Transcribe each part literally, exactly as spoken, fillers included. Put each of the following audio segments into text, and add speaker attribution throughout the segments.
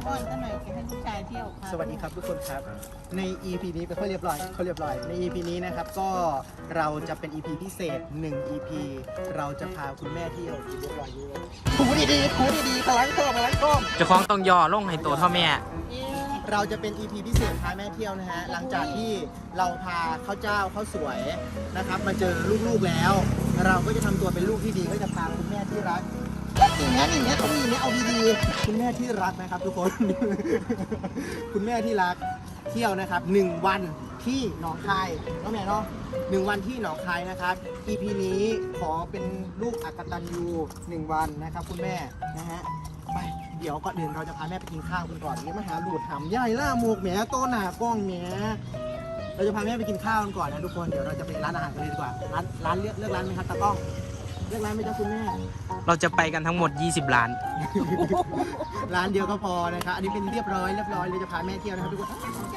Speaker 1: ป้อนก็หน่อยจะให้ลูกชายเที่ยวค่ะ
Speaker 2: สวัสดีครับทุกคนครับใน อี พี นี้เป็นข้อเรียบร้อยข้อเรียบร้อยใน อี พี นี้นะครับก็เราจะเป็น อี พี พิเศษหนึ่ง อี พี เราจะพาคุณแม่เที่ยวเรียบร้อยอยู่ถูดีๆถูดีๆพลังก้มพลังก้ม
Speaker 3: เจ้าของต้องย่อลงให้ตัวเท่าแม่
Speaker 2: เราจะเป็น อี พี พิเศษพาแม่เที่ยวนะฮะหลังจากที่เราพาข้าวเจ้าข้าวสวยนะครับมาเจอลูกๆแล้ว เราก็จะทำตัวเป็นลูกที่ดีก็จะพาคุณแม่ที่รักอย่างนี้อย่างนี้ต้องมีเนี่ยเอาดีๆคุณแม่ที่รักนะครับทุกคน คุณแม่ที่รักเที่ยวนะครับหนึ่งวันที่หนองคายน้องแม่เนาะหนึ่งวันที่หนองคายนะครับ อี พี นี้ขอเป็นลูกอักตันยูหนึ่งวันนะครับคุณแม่นะฮะไปเดี๋ยวก่อนอื่นเราจะพาแม่ไปกินข้าวกันก่อนนี่มาหาหลูดหำย่ายล่าหมวกแหมโตหนากล้องแหมเราจะพาแม่ไปกินข้าวกันก่อนนะทุกคนเดี๋ยวเราจะไปร้านอาหารกันเลยดีกว่าร้านร้านเลือกเลือกร้านไหมครับตากล้องเลือกร้านไหมจ๊ะคุณแม่
Speaker 3: เราจะไปกันทั้งหมดยี่สิบล้าน
Speaker 2: ร้านเดียวก็พอนะครับ อันนี้เป็นเรียบร้อยเรียบร้อยเลยจะพาแม่เที่ยวนะครับทุกคน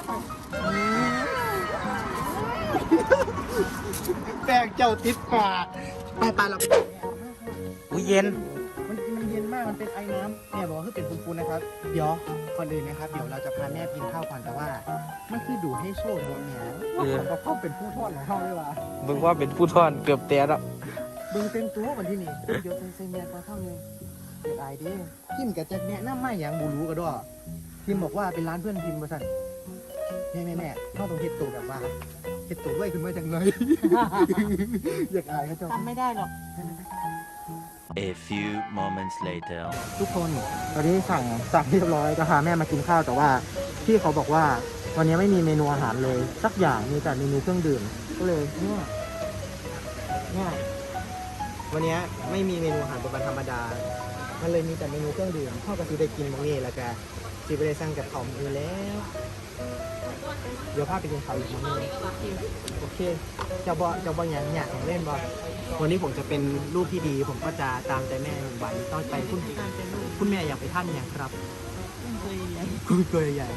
Speaker 2: แปลกเจ้าติดปากไปไปเราไป
Speaker 3: อุ้ยเย็น
Speaker 2: มันมันเย็นมาก มันเป็นไอ้น้ำแม่บอกว่าคือเป็นฟูนๆนะครับ เดี๋ยวก่อนอื่นนะครับ เดี๋ยวเราจะพาแม่กินข้าวก่อนแต่ว่ามันคือดูให้โชคดีแหมเราเข้าเป็นผู้ทอดของเขาเลยว่ะ
Speaker 3: มึงว่าเป็นผู้ทอนเกือบเตะแล้ว
Speaker 2: เบิ่งเต็มตัววันที่นี่เดี๋ยวเต็มเซเมียก่อนเข้าเลยเดี๋ยวอายดิพิมกับจะแนะนำไม่อย่างบูรู้กันด้วยพิมบอกว่าเป็นร้านเพื่อนพิมมาสั่นแม่แม่แม่เข้าตรงเห็ดตูแบบว่าเห็ดตูด้วยขึ้นมาจังเลย อยากอายเขาจ้า
Speaker 1: ทำไม่ได้หรอก
Speaker 4: A few moments later
Speaker 2: ทุกคนตอนนี้สั่งสั่งเรียบร้อยจะพาแม่มากินข้าวแต่ว่าพี่เขาบอกว่าวันนี้ไม่มีเมนูอาหารเลยสักอย่างมีแต่เมนูเครื่องดื่มก็เลยเนี่ยเนี่ยวันนี้ไม่มีเมนูอาหารเป็นวันธรรมดามันเลยมีแต่เมนูเครื่องดื่มพ่อก็ซื้อได้กินบางนี่แล้วก็ซื้อไปได้สั่งกับเขาอยู่แล้วเดี๋ยวพาไปกินข้าวอีกมื้อนึงโอเคจะบอจะบออย่างอยากเล่นบอวันนี้ผมจะเป็นลูกที่ดี ผมก็จะตามใจแม่หนึ่งวันต้องไปคุณคุณแม่อยากไปท่านอย่างครับคุณเกยใหญ่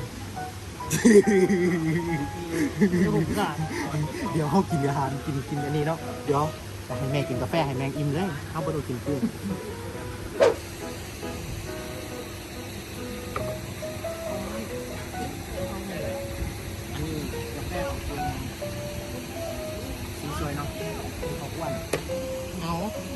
Speaker 2: เดี๋ยวเขากินอาหารกินกินอันนี้เนาะเดี๋ยวจะให้แม่กินกาแฟให้แมงอิ่มเลยเขาไปดูกินกุ้งอันนี้กาแฟของคุณสีสวยเนาะสีขาวอ้วน
Speaker 1: เอา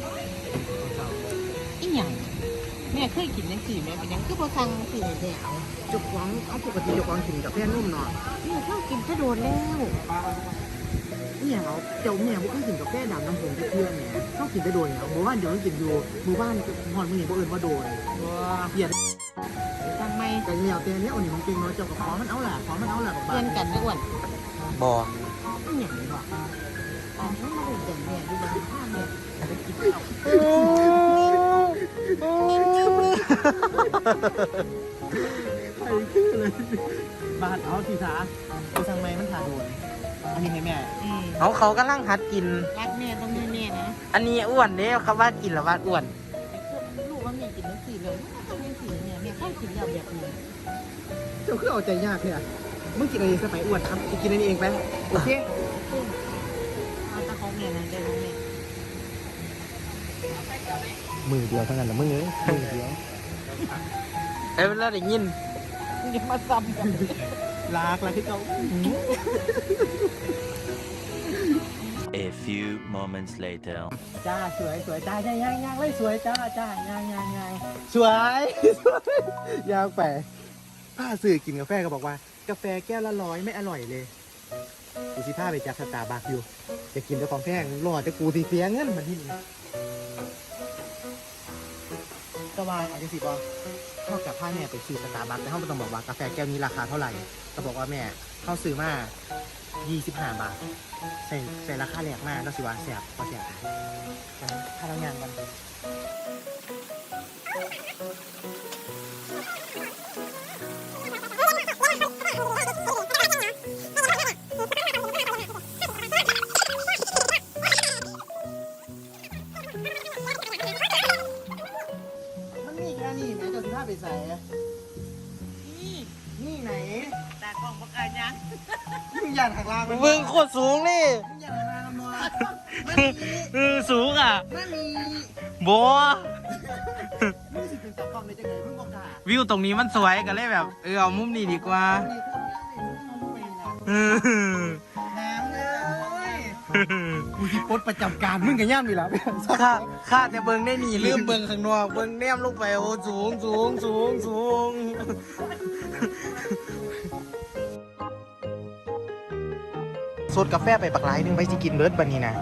Speaker 1: อีหยังแม่เคยกินยังสี่แม่เป็นยังคือพอสั่งสี่แม่เอา
Speaker 2: จุกวังเอาปกติจุกวังกินกาแฟนุ่มเนาะ
Speaker 1: แม่ชอบกินก็โดนแล้ว
Speaker 2: เนี่ยเขาเจ้าแม่พวกเขากินกาแฟดำน้ำผงเพื่อนเนี่ยเขากินได้โดยเนี่ยหมู่บ้านเดี๋ยวเขากินอยู่หมู่บ้านหอนมือหนีพวกอื่นว่าโดย
Speaker 1: ว้า
Speaker 2: เหี้ย
Speaker 1: สั่งไม่
Speaker 2: แต่เนี่ยเตียเนี่ยเอาหนิของจริงเนาะเจ้ากับขอมันเอาแหละขอมันเอาแหละกับ
Speaker 1: เพื่อนกันนะอ้วน
Speaker 3: บอ
Speaker 1: อีหยังวะอ๋อไม่มาดูแต่แม่ดูมันข้ามเนี่ยไปกินข้าว
Speaker 2: ใครคือเลยบาดเอาทีสาไปสั่งไม้มันถ่าโดนอันนี้ให้แม่
Speaker 1: อืม
Speaker 3: เขาเขากำลังหัดกิน
Speaker 1: รักแม่ต้องให้แม่นะ
Speaker 3: อันนี้อ้วนเนี่ยเขาว่ากินแล้วว่าอ้วน
Speaker 1: ลูกว่าแม่กินยังสี่เลยต้องยังสี่เนี่ยแม่ค่อยกินแล้วแบบนี้
Speaker 2: เจ้าคือเอาใจยากเนี่ยมึงกินอะไรสไปอ้วนครับกินอันนี้เองไปโอเค
Speaker 1: เอาตาของแม่นะได้ของแม่
Speaker 2: มือเดียวเท่านั้นแหละมึงเอ้ยมือเดียว
Speaker 3: เอ้ยแล้วได้ยิน
Speaker 1: อย่ามาซ้ำกัน
Speaker 2: ลากลากที่เจ้า
Speaker 4: A few moments later
Speaker 2: จ้าสวยสวยจ้าย่างย่างย่างเลยสวยจ้าจ้าย่างย่างย่างสวยสวยย่างไปป้าสื่อกินกาแฟก็บอกว่ากาแฟแก้วละร้อยไม่อร่อยเลยกูสิพาไปจากสตาร์บัคอยู่จะกินแต่ของแพงรอจะกูตีเสียเงินมาที่นี่สบายอาจจะสิบอเท่ากับผ้าแม่ไปซื้อสตาร์บัคแต่เขาไม่ต้องบอกว่ากาแฟแก้วนี้ราคาเท่าไหร่ก็บอกว่าแม่เขาซื้อมายี่สิบห้าบาทใส่ใส่ราคาแรกมากแล้วสิว่าแสบพอแสบถ้าเรางานกันมันมีแค่นี้แม่จะสิพาไปใส่
Speaker 1: นี่
Speaker 2: นี่ไหน
Speaker 1: ตากล้องบักอายัง
Speaker 2: มึงอย่าหักลางมัน
Speaker 3: มึงโคตรสูงนี่
Speaker 2: มึงอย่าหักลางมันมัว
Speaker 3: เออสูงอ่ะ
Speaker 2: มันมี
Speaker 3: บัว
Speaker 2: มึงสิเป็นตากล้องในจังไงมึงบอกกล้า
Speaker 3: วิวตรงนี้มันสวยก็เลยแบบ เออเอามุมนี้ดีกว่าเออ
Speaker 2: น้ำเลยกูที่ปดประจำการมึงกับย่ามอยู่แล้ว
Speaker 3: ข้าข้าแต่เบิ้งได้หนีลืมเบิ้งข้างนอกเบิ้งแนมลงไปโอ้สูงสูงสูงสูงสดกาแฟไปปักหลายนึงไปสิกินเบิร์ดบันนี้นะ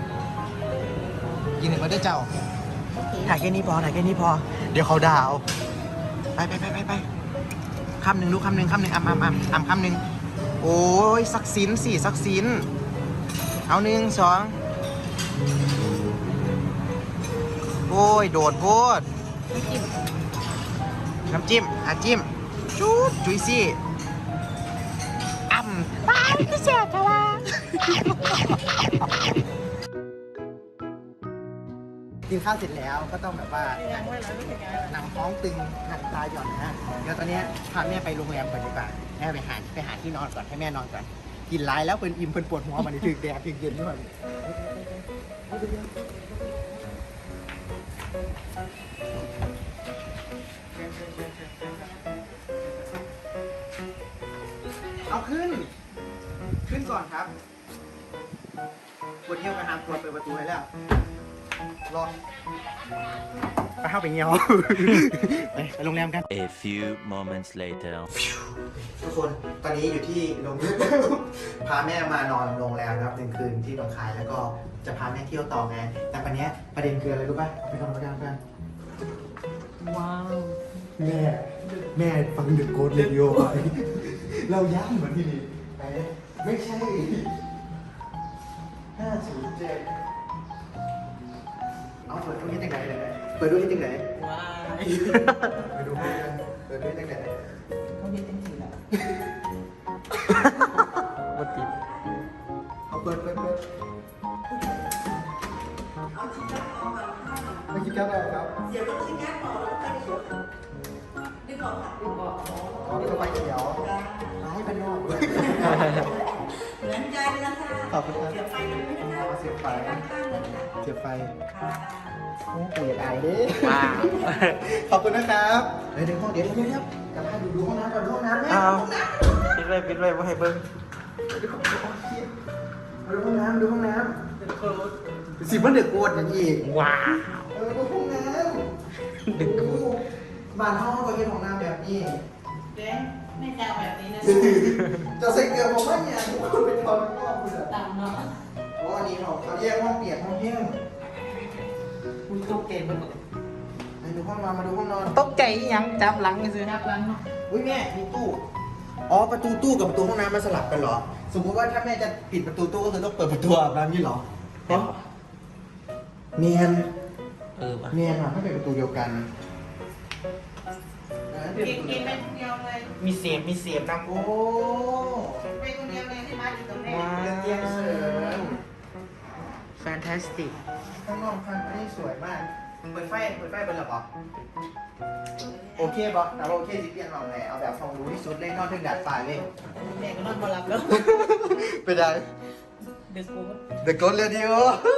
Speaker 3: กินหนึ่งมาด้วยเจ้าถ่ายแค่นี้พอถ่ายแค่นี้พอ เดี๋ยวเขาด่าเอาไปไปไปไปไปคำหนึ่งลูกคำหนึ่งคำหนึ่งอ่ำอ่ำอ่ำอ่ำคำหนึ่งโอ้ยสักสินสี่สักสินเอาหนึ่งสองโอ้ยโดดโพดน้ำจิ้มอ่ะจิ้มจุ๊บจุยซี่อ่ำไปพี่เสียทว่า
Speaker 2: กินข้าวเสร็จแล้วก็ต้องแบบว่าหนังท้องตึงหนังตาหย่อนนะเดี๋ยวตอนนี้พาแม่ไปโรงแรมก่อนดีกว่าแม่ไปหาไปหาที่นอนก่อนให้แม่นอนก่อนกินร้ายแล้วเป็นอิ่มเป็นปวดหัวมันถึงแดดถึงเย็นด้วยเอาขึ้น ขึ้นก่อนครับปวดเที่ยวไปหาปวดเปิดประตูให้แล้วรอไปเข้าไปเงี้ยว ไปไปโรงแรมกัน
Speaker 4: A few moments later.
Speaker 2: ทุกคนตอนนี้อยู่ที่โรงแรม พาแม่มานอนโรงแรมนะครับหนึ่งคืนที่หนองคายแล้วก็จะพาแม่เที่ยวต่อไงแต่ปันนี้ประเด็นคืออะไรรู้ป่ะเอาไปทำประกันกันว้าวแม่แม่ฟังเดอะโกดเรดิโอไปเราย้ำเหมือนที่นี่ไปไม่ใช่ห้าศูนย์เจ็ดเอาเปิดดูที่ตรงไหนเลยเปิดดูที่ตรงไหนว้ายไปดูกันเปิดดูที่ตรงไหนเขาเรียกจริงๆแหละ
Speaker 3: วัดติด
Speaker 2: เอาเปิดเปิดเปิดไม่คิดแก้วอะไรครับเดี๋ยวต้องคิดแก้วต่อแล้วไปเขียวดึงออกค่ะดึงออกอ๋อดึงออกไปเขียวมาให้เป็นนอกเหมือนใจเลยนะคะขอบคุณครับเสียบไฟกันไหมคะเสียบไฟเสียบไฟโอ้ปู่อยากอายดิ
Speaker 3: ว้าว
Speaker 2: ขอบคุณนะครับเดี๋ยวเดี๋ยวเดี๋ยวเดี๋ยวเดี๋ยวกลับมาดูดูห้องน้ำก่อนดูห้องน้ำไหม
Speaker 3: เอาปิดไว้ปิดไว้ว่าให้เบิ้ง
Speaker 2: มาดูห้องน้ำดูห้องน้ำสิมันเดือดโกรธอย่างอีก
Speaker 3: ว้าว
Speaker 2: เออดูห้องน้ำ
Speaker 3: ดึกกู
Speaker 2: บ้านห้องก็เป็นห้องน้ำแบบนี้
Speaker 1: เจ๊ไม่แซวแบบนี้นะ
Speaker 2: จะใส่เกลือผมว่าเนี่ยทุกคนเป็นคนก็คุณอะ
Speaker 1: ต่ำเนาะ
Speaker 2: โอ้อันนี้เขาเขาแยกห้องเปียกห้องแห้ง
Speaker 1: คุณตกเกณฑ์มัน
Speaker 2: ไปดูห้องนอนมาดูห้องนอน
Speaker 3: ตกใจอีหยังจับหลังซื้อ
Speaker 1: นับล้างเนาะ
Speaker 2: อุ้ยแม่มีตู้อ๋อประตูตู้กับประตูห้องน้ำมันสลับกันเหรอ สมมติว่าถ้าแม่จะปิดประตูตู้ก็คือต้องเปิดประตูอาบน้ำนี่เหรอเพราะเนียน
Speaker 3: เออว่ะ
Speaker 2: เนียนอะถ้าเป็นประตูเดียวกัน
Speaker 1: เกณฑ์เกณฑ์ไปคนเดียวเลย
Speaker 3: มีเสียบมีเสียบนะ
Speaker 2: โอ้
Speaker 1: ไปคนเดียวเลยที่มาอยู่ตรงนี้
Speaker 3: ว้า
Speaker 2: เตียงเสริม
Speaker 3: แฟนตาสติก
Speaker 2: ข้างนอกข้างนี้สวยมาก เปิดไฟ เปิดไฟเป็นหรอปะโอเคปะแต่ว่าโอเคสิเปลี่ยนหรอกแหละเอาแบบความรู้ที่สุดเลยนอนถึงดาดฟ้าเลย
Speaker 1: แม่ก็นอนมาหลับแล้ว
Speaker 2: ไปได้
Speaker 1: เด็กกู
Speaker 2: The Ghost Radio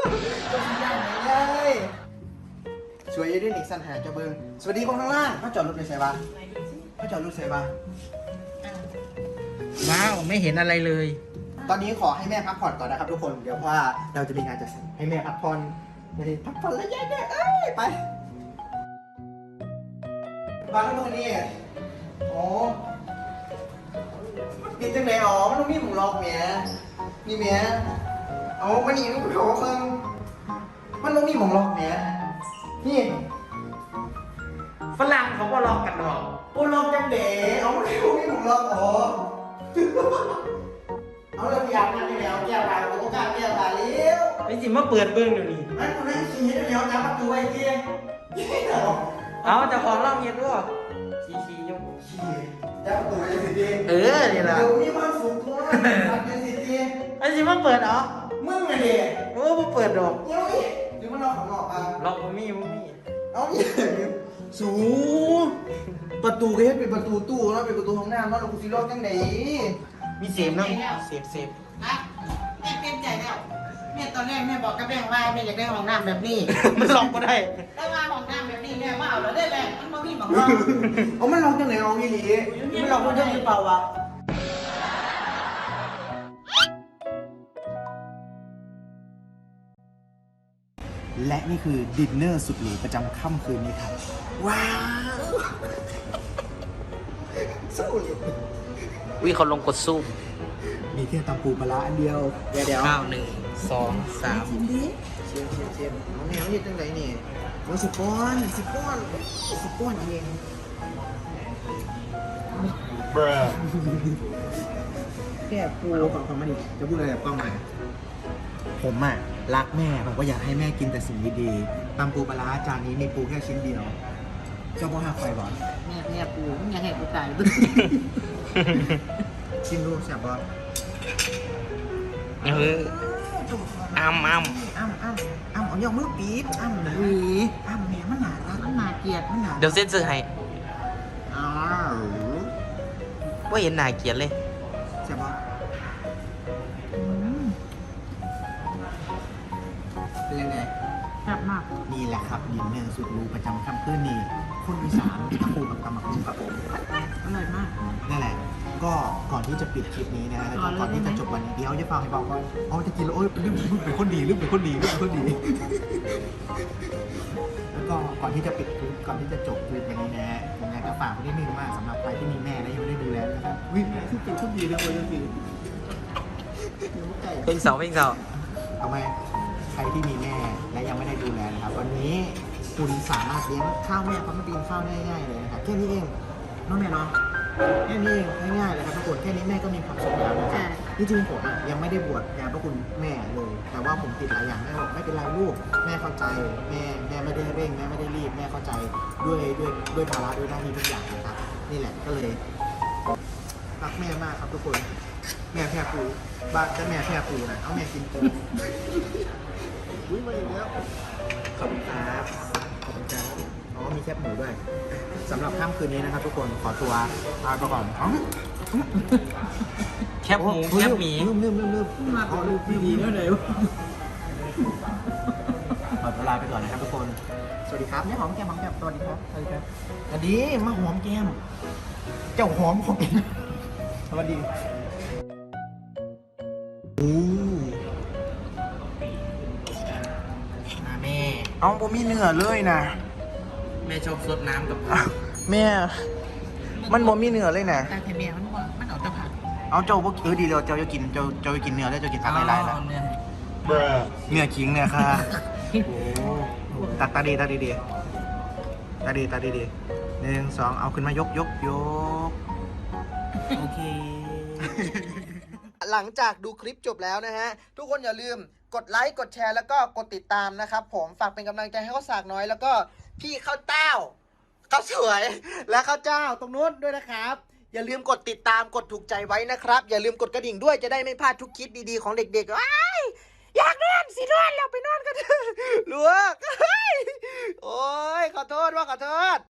Speaker 2: เลยสวยอยี่ด้วยนิกสันหาจะเบิงสวัสดีคนข้างล่างเขาจอดรถไปใส่ปะเขาจอดรถใส่ปะ
Speaker 3: ว้าวไม่เห็นอะไรเลย
Speaker 2: ตอนนี้ขอให้แม่พักผ่อนก่อนนะครับทุกคน เดี๋ยวเพราะว่าเราจะมีงานจัดสรรให้แม่พักผ่อนไม่ได้พักผ่อนแล้วแย่ๆเอ้ยไปมาแล้วมึงนี่โอ้ปิดจังไหนอ๋อมันต้องมีหมูล็อกเมียนี่เมียเอามานี่มันเขาเพิ่งมันต้องมีหมูล็อกเมียนี่
Speaker 3: ฝรั่งเขาก็ลองกันหรอก
Speaker 2: โอ้ล็อกจังเด๋เอาไม่รู้มีหมูล็อกอ๋อเอาเลยพยายามนั่นนี่แล้วแก้วตาโอ้กล้าแก้วตาเลี้ยว
Speaker 3: ไอ้สิมาเปิดเบิ้งเดี๋ยวนี้
Speaker 2: มันกูนั่งขี้ให้เลี้ยวจับประตูไว้เกี้ยยี่เหรอ
Speaker 3: เอาแต่ของเราเงียบด้วยชี้ชี้ยก
Speaker 2: ขี้จับประตูไว้สิดี
Speaker 3: เออนี่แหละ
Speaker 2: เดี๋ยวมีความสุขทั่วทำเป็นสิดี
Speaker 3: ไอ้สิมาเปิดเหรอ
Speaker 2: มึงไงเด็ก
Speaker 3: โอ้บ่เปิดดอก
Speaker 2: เดี๋ยวอีกหรือมันนอนข้างนอกอ่ะ
Speaker 3: ล็อกบ่มีบ่มี
Speaker 2: เอาอีกสูประตูก็ให้เป็นประตูตู้แล้วเป็นประตูห้องน้ำแล้วเรากูสิล็อกจังไหน
Speaker 3: มีเสียบนะเสียบเสียบ
Speaker 1: อ่ะแม่เต็มใจแล้วแม่ตอนแรกแม่บอกกับแม่ว่าแม่อยากได้ห้องน้ำแบบนี้
Speaker 3: มันล็อกก็ได้
Speaker 1: แล้วมาห้องน้ำแบบนี้แม่มาเอาแล้วได้แม่มันบ่มีนี่บอกว่า
Speaker 2: เอามันลองจังไหนลองอีหลีมันลองคนเยอะหรือเปล่าวะและนี่คือดินเนอร์สุดหรูประจำค่ำคืนนี้ครับ ว้าวสู้เลย
Speaker 3: วิเขาลงกดสู้
Speaker 2: มีแค่ตำปูปลาร้าอันเดียว เดี๋ยวเดี๋ยว
Speaker 3: เก้าหนึ่งสองสาม
Speaker 2: ชิมดิเชียมเชียมเชียมเอาแนวยืดจังไหนนี่โอ้สิบป้อนสิบป้อนสิบป้อนเองแค่ปูเอาฟังฟังมาดิจะพูดอะไรกับกล้องไหมผมอ่ะรักแม่ผมก็อยากให้แม่กินแต่สิ่งดีๆตำปูปลาร้าจานนี้มีปูแค่ชิ้นเดียวเจ้าพ่อหักไฟบอล
Speaker 1: แม่แม่ปูมึงยังไงกูตายบึ้
Speaker 2: ชิมดูแซ่บบ่
Speaker 3: เอออ้ำอ้ำ
Speaker 2: อ้ำอ้ำอ้ำเอายกมือปี๊บอ้ำหนีอ้ำแม่มันหนารัก
Speaker 1: มันน่าเกลียด
Speaker 2: มันหนา
Speaker 3: เดี๋ยวเส้นซื้อให้
Speaker 2: อ้าว
Speaker 3: ว่าเห็นหน้าเกลียดเลย
Speaker 2: แซ่บบ่
Speaker 1: อืม
Speaker 2: เป็นยังไง
Speaker 1: แซ่บมาก
Speaker 2: นี่แหละครับดินเนอร์สุดหรูประจำค่ำคืนนี้คนอีสานตะปูกับตำหมักหุ่งครับผม
Speaker 1: อร่อยมาก
Speaker 2: นั่นแหละ ก็ก่อนที่จะปิดคลิปนี้นะฮะแล้วก็ก่อนที่จะจบวันนี้เดี๋ยวจะฟังให้บอกว่าอ๋อจะกินแล้วโอ้ยลืมลืมเป็นคนดีลืมเป็นคนดีลืมเป็นคนดี แล้วก็ก่อนที่จะปิดคลิปก่อนที่จะจบคลิปวันนี้นะฮะผมอยากจะฝากไว้นิดนึงว่าสำหรับใครที่มีแม่และยังไม่ได้ดูแลนะครับวิ่งคือเป็นคนดีเลยวันนี้
Speaker 3: เพลงเสาเพลงเสา
Speaker 2: เอาไหมใครที่มีแม่และยังไม่ได้ดูแลนะครับวันนี้คุณสามารถเลี้ยงข้าวแม่พร้อมมาตีนข้าวได้ง่ายๆเลยนะครับแค่นี้เองน้องแม่เนาะแค่นี้เองง่ายๆเลยครับทุกคนแค่นี้แม่ก็มีความสุขแล้วนะครับจริงๆผมอะยังไม่ได้บวชงานพระคุณแม่เลย แต่ว่าผมติดหลายอย่างแม่บอกไม่เป็นไรลูกแม่เข้าใจแม่แม่ไม่ได้เร่งแม่ไม่ได้รีบแม่เข้าใจด้วยด้วยด้วยภาระด้วยหน้าที่ทุกอย่างนะครับนี่แหละก็เลยรักแม่มากครับทุกคนแม่แพร่ปูบ้านจะแม่แพร่ปูนะเอาแม่กินปูอุ้ยมาอีกแล้วขอบคุณครับขอบคุณครับอ๋อมีแคบหมูด้วยสำหรับค่ำคืนนี้นะครับทุกคนขอตัวลาไปก่อนอ๋อ
Speaker 3: แคบหมูแคบหมี
Speaker 2: ลืมลืมลืมลืม
Speaker 1: มาเป็นลูกที่ดีแล้วเดี๋ยว
Speaker 2: ขอตัวลาไปก่อนนะครับทุกคน สวัสดีครับเนี่ยหอมแก้มหอมแก้มสวัสดีครับสวัสดีครับสวัสดีมาหอมแก้มเจ้าหอมของเองสวัสดีโอ้
Speaker 3: อ่ะแม่
Speaker 2: เอาผมมีเนื้อเลยนะ
Speaker 3: แม่ชอบซดน้ำกับ
Speaker 2: อ่ะแม่ มันบ่มีเนื้อเลยนะ
Speaker 1: แต่เทเมียมันว่ามันเอาแต่ผัก
Speaker 2: เอาเจ้าพวกเออดีเลยเจ้าจะกินเจ้าเจ้าจะกินเนื้อแล้วเจ้ากินผักหลายๆนะ
Speaker 3: เนี่ย
Speaker 2: เนื้อขิงเนี่ยค่ะ โอ้ตัดตาดีตาดีดีตาดีตาดีดีหนึ่งสองเอาขึ้นมายกยกยก
Speaker 3: โอเค
Speaker 2: หลังจากดูคลิปจบแล้วนะฮะ ทุกคนอย่าลืมกดไลค์กดแชร์แล้วก็กดติดตามนะครับผมฝากเป็นกำลังใจให้ข้าวสากน้อยแล้วก็พี่ข้าวเต้าข้าวสวยและข้าวเจ้าตรงนู้นด้วยนะครับ อย่าลืมกดติดตามกดถูกใจไว้นะครับ อย่าลืมกดกระดิ่งด้วยจะได้ไม่พลาดทุกคลิปดีๆของเด็กๆว้ายอยากนอนสินอนแล้วไปนอนกันเถอะลูกโอ้ยขอโทษว่าขอโทษ